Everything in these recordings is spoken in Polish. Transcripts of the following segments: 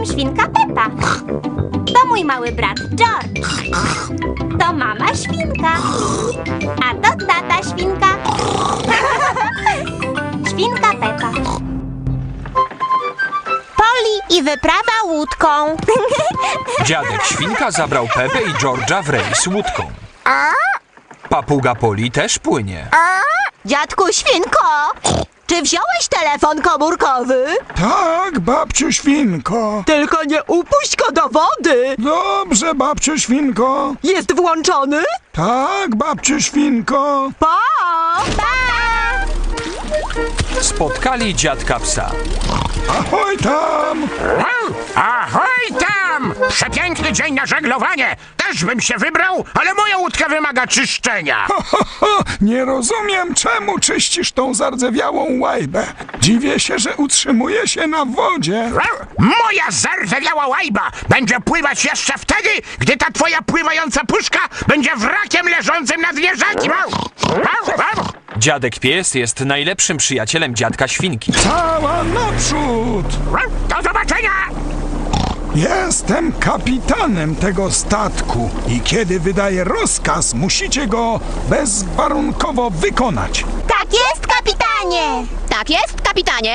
jestem świnka Pepa. To mój mały brat George. To mama świnka. A to tata świnka. Świnka Pepa. Polly i wyprawa łódką. Dziadek Świnka zabrał Pepę i George'a w rejs łódką. Papuga Polly też płynie. Dziadku Świnko, czy wziąłeś telefon komórkowy? Tak, babciu Świnko. Tylko nie upuść go do wody. Dobrze, babciu Świnko. Jest włączony? Tak, babciu Świnko. Pa! Spotkali dziadka psa. Ahoj tam! Ahoj tam! Przepiękny dzień na żeglowanie! Też bym się wybrał, ale moja łódka wymaga czyszczenia. Nie rozumiem, czemu czyścisz tą zardzewiałą łajbę. Dziwię się, że utrzymuje się na wodzie. Moja zardzewiała łajba będzie pływać jeszcze wtedy, gdy ta twoja pływająca puszka będzie wrakiem leżącym na dnie rzeki. Dziadek Pies jest najlepszym przyjacielem dziadka Świnki. Cała naprzód! Do zobaczenia! Jestem kapitanem tego statku i kiedy wydaję rozkaz, musicie go bezwarunkowo wykonać. Tak jest, kapitanie. Tak jest, kapitanie.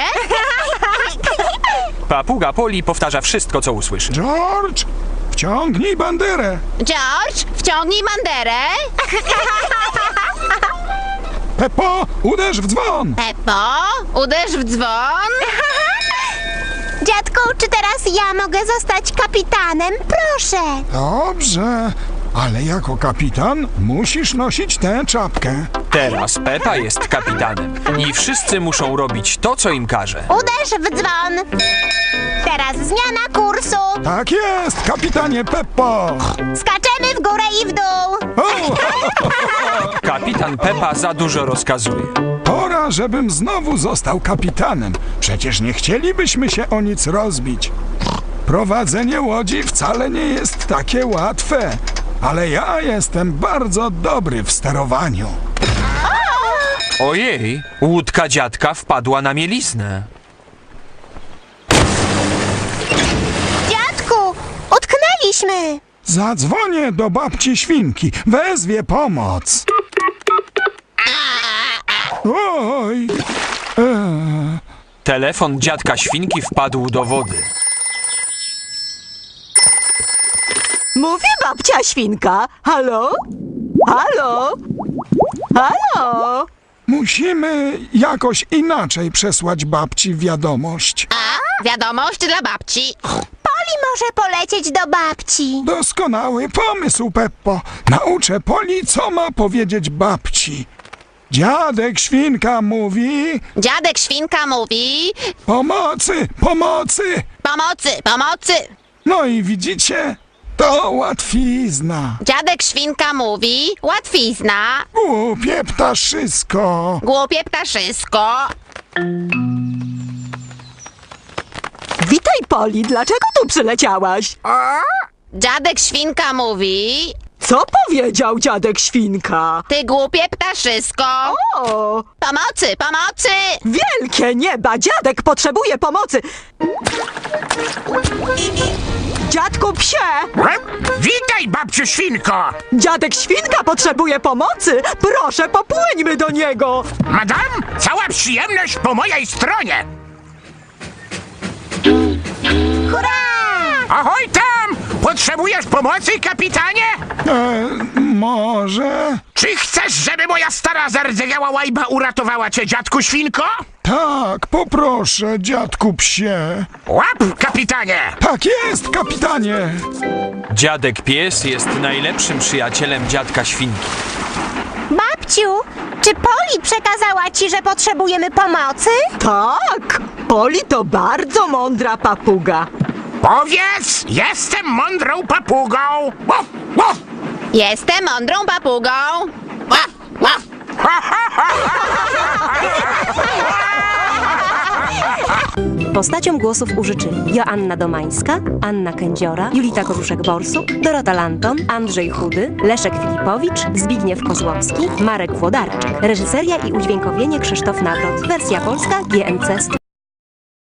Papuga Polly powtarza wszystko, co usłyszy. George, wciągnij banderę. George, wciągnij banderę. Peppo, uderz w dzwon. Peppo, uderz w dzwon. Dziadku, czy teraz ja mogę zostać kapitanem? Proszę. Dobrze, ale jako kapitan musisz nosić tę czapkę. Teraz Pepa jest kapitanem i wszyscy muszą robić to, co im każe. Uderz w dzwon. Teraz zmiana kursu. Tak jest, kapitanie Peppo. Skaczemy w górę i w dół. O, Kapitan Pepa za dużo rozkazuje. pora, żebym znowu został kapitanem. Przecież nie chcielibyśmy się o nic rozbić. Prowadzenie łodzi wcale nie jest takie łatwe, ale ja jestem bardzo dobry w sterowaniu. Ojej, łódka dziadka wpadła na mieliznę. Dziadku, utknęliśmy. Zadzwonię do babci Świnki, wezwie pomoc. Oj! Telefon dziadka Świnki wpadł do wody. Mówi babcia Świnka. Halo? Halo? Halo? Musimy jakoś inaczej przesłać babci wiadomość. Wiadomość dla babci. Poli może polecieć do babci. Doskonały pomysł, Peppo. Nauczę Poli, co ma powiedzieć babci. Dziadek Świnka mówi... Dziadek Świnka mówi... Pomocy, pomocy! Pomocy, pomocy. No i widzicie? To łatwizna. Dziadek Świnka mówi... Łatwizna. Głupie ptaszysko. Głupie ptaszysko. Witaj, Poli. Dlaczego tu przyleciałaś? Dziadek Świnka mówi... Co powiedział dziadek Świnka? Ty głupie ptaszysko. O! Pomocy, pomocy! Wielkie nieba! Dziadek potrzebuje pomocy! Dziadku psie! Witaj, babciu Świnko! Dziadek Świnka potrzebuje pomocy! Proszę, popłyńmy do niego! Madam, cała przyjemność po mojej stronie! Hurra! Ahoj tam! Potrzebujesz pomocy, kapitanie? Może... Czy chcesz, żeby moja stara zardzewiała łajba uratowała cię, dziadku Świnko? Tak, poproszę, dziadku psie. Łap, kapitanie! Tak jest, kapitanie. Dziadek Pies jest najlepszym przyjacielem dziadka Świnki. Babciu, czy Poli przekazała ci, że potrzebujemy pomocy? Tak! Poli to bardzo mądra papuga. Powiedz, jestem mądrą papugą! Łaf, łaf. Jestem mądrą papugą. Łaf, łaf. Postaciom głosów użyczyli Joanna Domańska, Anna Kędziora, Julita Koruszek-Borsuk, Dorota Lanton, Andrzej Chudy, Leszek Filipowicz, Zbigniew Kozłowski, Marek Włodarczyk. Reżyseria i udźwiękowienie Krzysztof Nawrot. Wersja polska GNC Studio.